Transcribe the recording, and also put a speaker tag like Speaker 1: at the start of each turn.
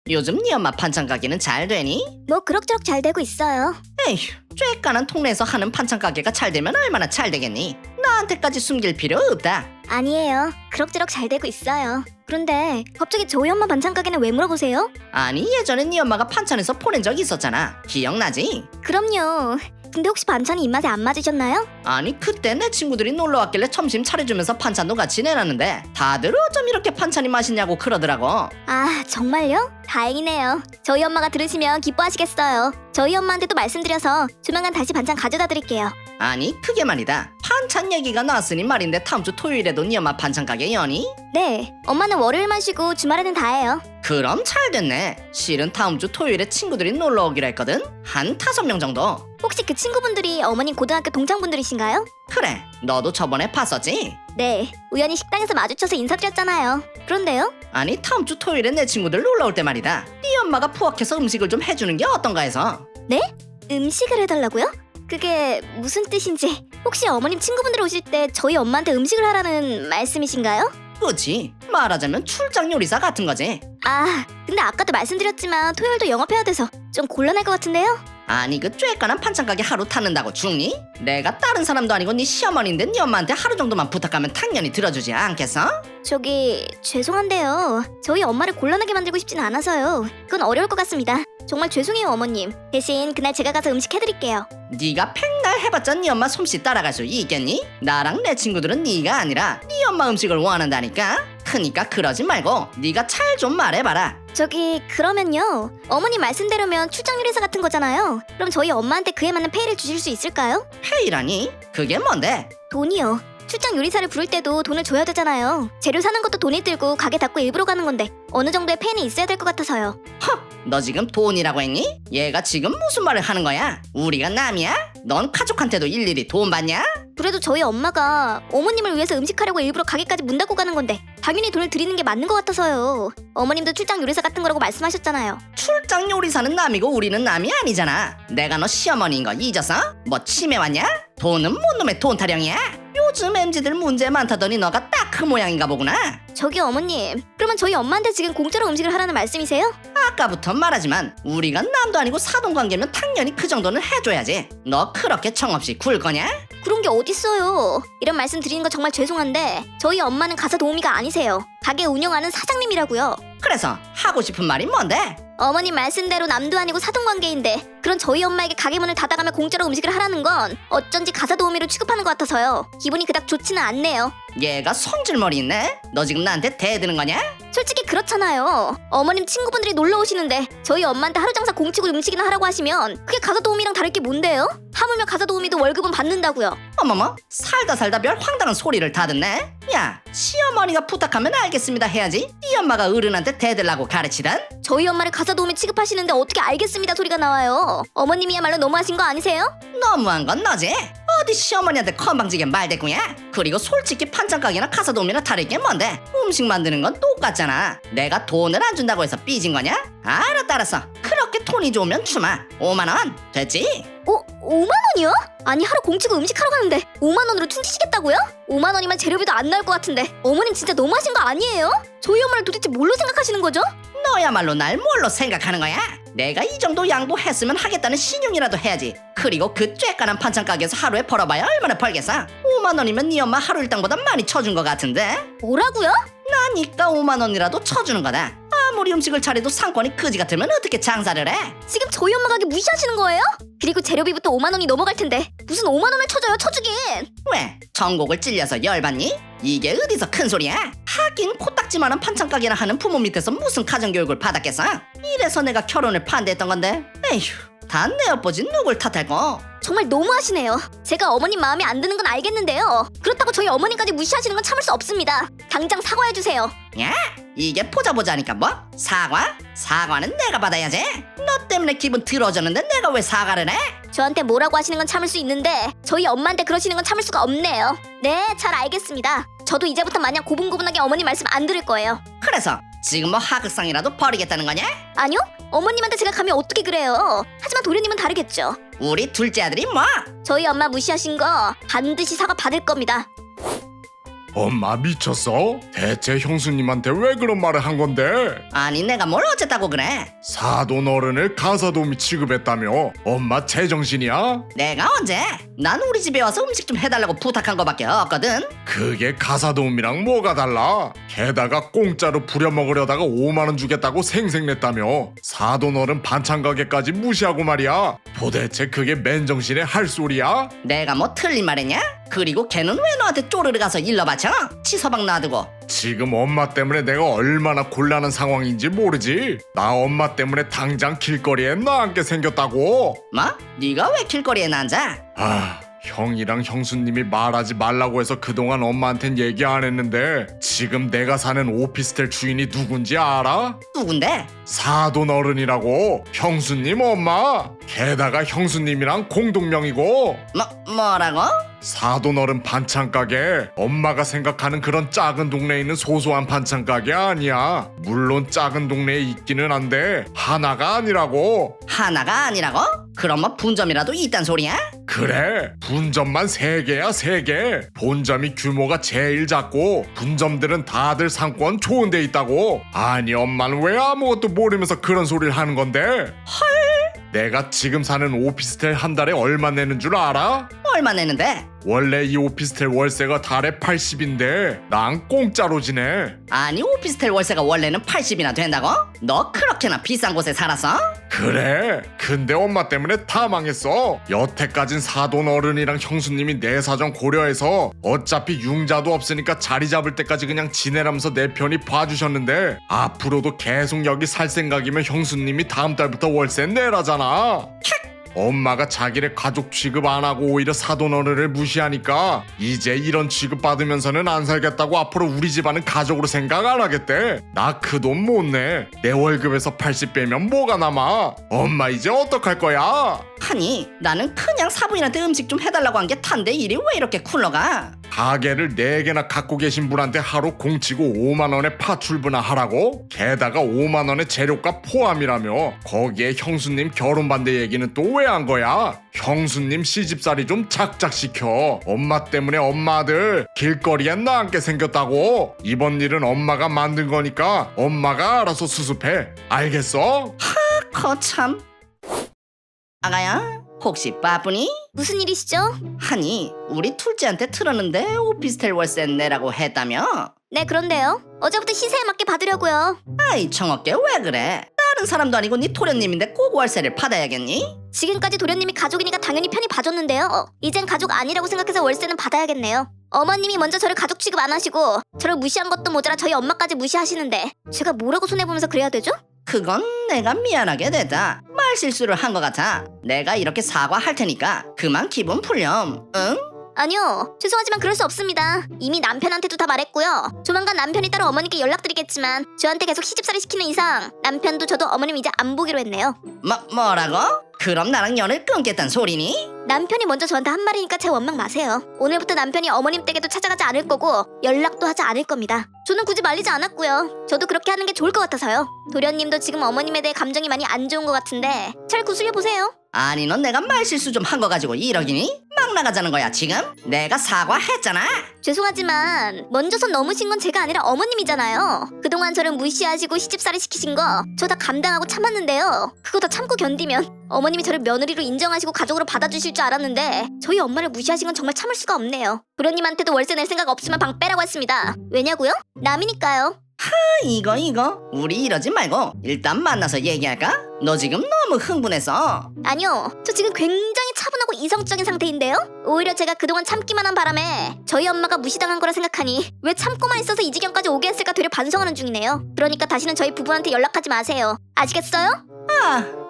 Speaker 1: 요즘 네 엄마 반찬 가게는 잘 되니?
Speaker 2: 뭐 그럭저럭 잘 되고 있어요.
Speaker 1: 에휴, 쬐깐한 동네에서 하는 반찬 가게가 잘 되면 얼마나 잘 되겠니? 나한테까지 숨길 필요 없다.
Speaker 2: 아니에요. 그럭저럭 잘 되고 있어요. 그런데 갑자기 저희 엄마 반찬 가게는 왜 물어보세요?
Speaker 1: 아니, 예전에 네 엄마가 반찬에서 보낸 적 있었잖아. 기억나지?
Speaker 2: 그럼요. 근데 혹시 반찬이 입맛에 안 맞으셨나요?
Speaker 1: 아니, 그때 내 친구들이 놀러 왔길래 점심 차려주면서 반찬도 같이 내놨는데 다들 어쩜 이렇게 반찬이 맛있냐고 그러더라고.
Speaker 2: 아, 정말요? 다행이네요. 저희 엄마가 들으시면 기뻐하시겠어요. 저희 엄마한테도 말씀드려서 조만간 다시 반찬 가져다 드릴게요.
Speaker 1: 아니, 그게 말이다. 반찬 얘기가 나왔으니 말인데 다음 주 토요일에도 네 엄마 반찬 가게 여니?
Speaker 2: 네, 엄마는 월요일만 쉬고 주말에는 다 해요.
Speaker 1: 그럼 잘 됐네. 실은 다음 주 토요일에 친구들이 놀러 오기로 했거든. 한 5명 정도.
Speaker 2: 혹시 그 친구분들이 어머님 고등학교 동창분들이신가요?
Speaker 1: 그래, 너도 저번에 봤었지?
Speaker 2: 네, 우연히 식당에서 마주쳐서 인사드렸잖아요. 그런데요?
Speaker 1: 아니, 다음 주 토요일에 내 친구들 놀러 올 때 말이다. 네 엄마가 부엌에서 음식을 좀 해주는 게 어떤가 해서.
Speaker 2: 네? 음식을 해달라고요? 그게 무슨 뜻인지. 혹시 어머님 친구분들 오실 때 저희 엄마한테 음식을 하라는 말씀이신가요?
Speaker 1: 그치? 말하자면 출장 요리사 같은 거지.
Speaker 2: 아, 근데 아까도 말씀드렸지만 토요일도 영업해야 돼서 좀 곤란할 것 같은데요?
Speaker 1: 아니, 그 쬐깐한 반찬 가게 하루 타는다고 죽니? 내가 다른 사람도 아니고 네 시어머니인데 네 엄마한테 하루 정도만 부탁하면 당연히 들어주지 않겠어?
Speaker 2: 저기 죄송한데요. 저희 엄마를 곤란하게 만들고 싶진 않아서요. 그건 어려울 것 같습니다. 정말 죄송해요, 어머님. 대신 그날 제가 가서 음식 해드릴게요.
Speaker 1: 네가 백날 해봤자 네 엄마 솜씨 따라갈 수 있겠니? 나랑 내 친구들은 네가 아니라 네 엄마 음식을 원한다니까? 크니까 그러지 말고 네가 잘 좀 말해봐라.
Speaker 2: 저기 그러면요. 어머님 말씀대로면 출장 요리사 같은 거잖아요. 그럼 저희 엄마한테 그에 맞는 페이를 주실 수 있을까요?
Speaker 1: 페이라니? 그게 뭔데?
Speaker 2: 돈이요. 출장 요리사를 부를 때도 돈을 줘야 되잖아요. 재료 사는 것도 돈이 들고 가게 닫고 일부러 가는 건데 어느 정도의 페이는 있어야 될 것 같아서요.
Speaker 1: 너 지금 돈이라고 했니? 얘가 지금 무슨 말을 하는 거야? 우리가 남이야? 넌 가족한테도 일일이 돈 받냐?
Speaker 2: 그래도 저희 엄마가 어머님을 위해서 음식하려고 일부러 가게까지 문 닫고 가는 건데 당연히 돈을 드리는 게 맞는 것 같아서요. 어머님도 출장 요리사 같은 거라고 말씀하셨잖아요.
Speaker 1: 출장 요리사는 남이고 우리는 남이 아니잖아. 내가 너 시어머니인 거 잊었어? 뭐 치매 왔냐? 돈은 뭔 놈의 돈 타령이야? 요즘 MZ들 문제 많다더니 너가 딱 그 모양인가 보구나.
Speaker 2: 저기 어머님, 그러면 저희 엄마한테 지금 공짜로 음식을 하라는 말씀이세요?
Speaker 1: 아까부터 말하지만 우리가 남도 아니고 사돈관계면 당연히 그 정도는 해줘야지. 너 그렇게 정없이 굴 거냐?
Speaker 2: 그런 게 어딨어요. 이런 말씀 드리는 거 정말 죄송한데 저희 엄마는 가사 도우미가 아니세요. 가게 운영하는 사장님이라고요.
Speaker 1: 그래서 하고 싶은 말이 뭔데?
Speaker 2: 어머님 말씀대로 남도 아니고 사돈관계인데 그런 저희 엄마에게 가게 문을 닫아가며 공짜로 음식을 하라는 건 어쩐지 가사 도우미로 취급하는 것 같아서요. 기분이 그닥 좋지는 않네요.
Speaker 1: 얘가 성질머리 있네? 너 지금 나한테 대드는 거냐?
Speaker 2: 솔직히 그렇잖아요. 어머님 친구분들이 놀러 오시는데 저희 엄마한테 하루 장사 공치고 음식이나 하라고 하시면 그게 가사 도우미랑 다를 게 뭔데요? 하물며 가사 도우미도 월급은 받는다고요.
Speaker 1: 어머머, 살다 별 황당한 소리를 다 듣네? 야, 시어머니가 부탁하면 알겠습니다 해야지. 네 엄마가 어른한테 대들라고 가르치단?
Speaker 2: 저희 엄마를 가사 도우미 취급하시는데 어떻게 알겠습니다 소리가 나와요. 어머님이야말로 너무하신 거 아니세요?
Speaker 1: 너무한 건 너지? 어디 시어머니한테 건방지게 말대꾸냐? 그리고 솔직히 반찬 가게나 가사 도우미나 다를 게 뭔데? 음식 만드는 건 똑같잖아. 내가 돈을 안 준다고 해서 삐진 거냐? 알았어. 그렇게 돈이 좋으면 주마. 5만 원 됐지?
Speaker 2: 5만 원이요? 아니 하루 공치고 음식하러 가는데 5만 원으로 퉁치시겠다고요? 5만 원이면 재료비도 안 나올 것 같은데 어머님 진짜 너무하신 거 아니에요? 저희 엄마를 도대체 뭘로 생각하시는 거죠?
Speaker 1: 너야말로 날 뭘로 생각하는 거야? 내가 이 정도 양보했으면 하겠다는 신용이라도 해야지. 그리고 그 쬐깐한 반찬 가게에서 하루에 벌어봐야 얼마나 벌겠어? 5만 원이면 네 엄마 하루 일당보다 많이 쳐준 것 같은데?
Speaker 2: 뭐라고요?
Speaker 1: 나니까 5만 원이라도 쳐주는 거다. 아무리 음식을 차려도 상권이 그지 같으면 어떻게 장사를 해?
Speaker 2: 지금 저희 엄마 가게 무시하시는 거예요? 그리고 재료비부터 5만 원이 넘어갈 텐데 무슨 5만 원을 쳐줘요 쳐주긴.
Speaker 1: 왜? 전곡을 찔려서 열받니? 이게 어디서 큰 소리야? 하긴 코딱지만한 반찬 가게나 하는 부모 밑에서 무슨 가정교육을 받았겠어? 이래서 내가 결혼을 반대했던 건데. 에휴, 다 내 엿보지 누굴 탓할꼬?
Speaker 2: 정말 너무하시네요. 제가 어머님 마음에 안 드는 건 알겠는데요. 그렇다고 저희 어머님까지 무시하시는 건 참을 수 없습니다. 당장 사과해주세요.
Speaker 1: 야, 이게 보자니까 뭐? 사과? 사과는 내가 받아야지. 너 때문에 기분 더러워졌는데 내가 왜 사과를 해?
Speaker 2: 저한테 뭐라고 하시는 건 참을 수 있는데 저희 엄마한테 그러시는 건 참을 수가 없네요. 네, 잘 알겠습니다. 저도 이제부터 마냥 고분고분하게 어머님 말씀 안 들을 거예요.
Speaker 1: 그래서 지금 뭐 하극상이라도 벌이겠다는 거냐?
Speaker 2: 아니요, 어머님한테 제가 감히 어떻게 그래요. 하지만 도련님은 다르겠죠.
Speaker 1: 우리 둘째 아들이 뭐?
Speaker 2: 저희 엄마 무시하신 거 반드시 사과 받을 겁니다.
Speaker 3: 엄마 미쳤어? 대체 형수님한테 왜 그런 말을 한 건데?
Speaker 1: 아니 내가 뭘 어쨌다고 그래?
Speaker 3: 사돈 어른을 가사도우미 취급했다며? 엄마 제정신이야?
Speaker 1: 내가 언제? 난 우리 집에 와서 음식 좀 해달라고 부탁한 거밖에 없거든.
Speaker 3: 그게 가사도우미랑 뭐가 달라? 게다가 공짜로 부려먹으려다가 5만 원 주겠다고 생색냈다며? 사돈 어른 반찬 가게까지 무시하고 말이야. 도대체 그게 맨정신에 할 소리야?
Speaker 1: 내가 뭐 틀린 말했냐? 그리고 걔는 왜 너한테 쪼르르 가서 일러 바쳐? 치서방 놔두고.
Speaker 3: 지금 엄마 때문에 내가 얼마나 곤란한 상황인지 모르지? 나 엄마 때문에 당장 길거리에 나앉게 생겼다고?
Speaker 1: 뭐? 네가 왜 길거리에 앉아?
Speaker 3: 아, 형이랑 형수님이 말하지 말라고 해서 그동안 엄마한텐 얘기 안 했는데 지금 내가 사는 오피스텔 주인이 누군지 알아?
Speaker 1: 누군데?
Speaker 3: 사돈 어른이라고. 형수님 엄마. 게다가 형수님이랑 공동명이고.
Speaker 1: 뭐라고?
Speaker 3: 사돈 어른 반찬 가게. 엄마가 생각하는 그런 작은 동네에 있는 소소한 반찬 가게 아니야. 물론 작은 동네에 있기는 한데 하나가 아니라고.
Speaker 1: 하나가 아니라고? 그럼 뭐 분점이라도 있단 소리야?
Speaker 3: 그래, 분점만 3개야 3개. 본점이 규모가 제일 작고 분점들은 다들 상권 좋은 데 있다고. 아니 엄마는 왜 아무것도 모르면서 그런 소리를 하는 건데? 헐. 내가 지금 사는 오피스텔 한 달에 얼마 내는 줄 알아?
Speaker 1: 얼마 내는데?
Speaker 3: 원래 이 오피스텔 월세가 달에 80인데 난 공짜로 지내.
Speaker 1: 아니 오피스텔 월세가 원래는 80이나 된다고? 너 그렇게나 비싼 곳에 살았어?
Speaker 3: 그래, 근데 엄마 때문에 다 망했어. 여태까진 사돈 어른이랑 형수님이 내 사정 고려해서 어차피 융자도 없으니까 자리 잡을 때까지 그냥 지내라면서 내 편이 봐주셨는데 앞으로도 계속 여기 살 생각이면 형수님이 다음 달부터 월세 내라잖아. 엄마가 자기네 가족 취급 안 하고 오히려 사돈 어른을 무시하니까 이제 이런 취급 받으면서는 안 살겠다고 앞으로 우리 집안은 가족으로 생각 안 하겠대. 나 그 돈 못 내. 내 월급에서 80 빼면 뭐가 남아. 엄마 이제 어떡할 거야?
Speaker 1: 아니 나는 그냥 사부인한테 음식 좀 해달라고 한 게 탄데 일이 왜 이렇게 굴러가?
Speaker 3: 가게를 4개나 갖고 계신 분한테 하루 공치고 5만 원에 파출부나 하라고? 게다가 5만 원의 재료값 포함이라며. 거기에 형수님 결혼 반대 얘기는 또 왜 한 거야? 형수님 시집살이 좀 작작시켜. 엄마 때문에 엄마 아들 길거리에 나앉게 생겼다고. 이번 일은 엄마가 만든 거니까 엄마가 알아서 수습해. 알겠어?
Speaker 1: 거참. 아가야 혹시 바쁘니?
Speaker 2: 무슨 일이시죠?
Speaker 1: 아니 우리 둘째한테 틀었는데 오피스텔 월세 내라고 했다며?
Speaker 2: 네, 그런데요. 어제부터 시세에 맞게 받으려고요.
Speaker 1: 아이 청어깨 왜 그래? 다른 사람도 아니고 네 토련님인데 꼭 월세를 받아야겠니?
Speaker 2: 지금까지 도련님이 가족이니까 당연히 편히 봐줬는데요. 이젠 가족 아니라고 생각해서 월세는 받아야겠네요. 어머님이 먼저 저를 가족 취급 안 하시고 저를 무시한 것도 모자라 저희 엄마까지 무시하시는데 제가 뭐라고 손해보면서 그래야 되죠?
Speaker 1: 그건 내가 미안하게 됐다. 말실수를 한 것 같아. 내가 이렇게 사과할 테니까 그만 기분 풀렴. 응?
Speaker 2: 아니요, 죄송하지만 그럴 수 없습니다. 이미 남편한테도 다 말했고요. 조만간 남편이 따로 어머니께 연락드리겠지만 저한테 계속 시집살이 시키는 이상 남편도 저도 어머님 이제 안 보기로 했네요.
Speaker 1: 뭐라고? 그럼 나랑 연을 끊겠단 소리니?
Speaker 2: 남편이 먼저 저한테 한 말이니까 제 원망 마세요. 오늘부터 남편이 어머님 댁에도 찾아가지 않을 거고 연락도 하지 않을 겁니다. 저는 굳이 말리지 않았고요. 저도 그렇게 하는 게 좋을 것 같아서요. 도련님도 지금 어머님에 대해 감정이 많이 안 좋은 것 같은데 잘 구슬려 보세요.
Speaker 1: 아니 넌 내가 말실수 좀 한 거 가지고 이러기니? 막 나가자는 거야 지금? 내가 사과했잖아.
Speaker 2: 죄송하지만 먼저 선 넘으신 건 제가 아니라 어머님이잖아요. 그동안 저를 무시하시고 시집살이 시키신 거 저 다 감당하고 참았는데요. 그거 다 참고 견디면 어머님이 저를 며느리로 인정하시고 가족으로 받아주실 줄 알았는데 저희 엄마를 무시하신 건 정말 참을 수가 없네요. 도련님한테도 월세 낼 생각 없으면 방 빼라고 했습니다. 왜냐고요? 남이니까요.
Speaker 1: 이거 우리 이러지 말고 일단 만나서 얘기할까? 너 지금 너무 흥분해서.
Speaker 2: 아니요, 저 지금 굉장히 차분하고 이성적인 상태인데요? 오히려 제가 그동안 참기만 한 바람에 저희 엄마가 무시당한 거라 생각하니 왜 참고만 있어서 이 지경까지 오게 했을까 되려 반성하는 중이네요. 그러니까 다시는 저희 부부한테 연락하지 마세요. 아시겠어요?
Speaker 1: 아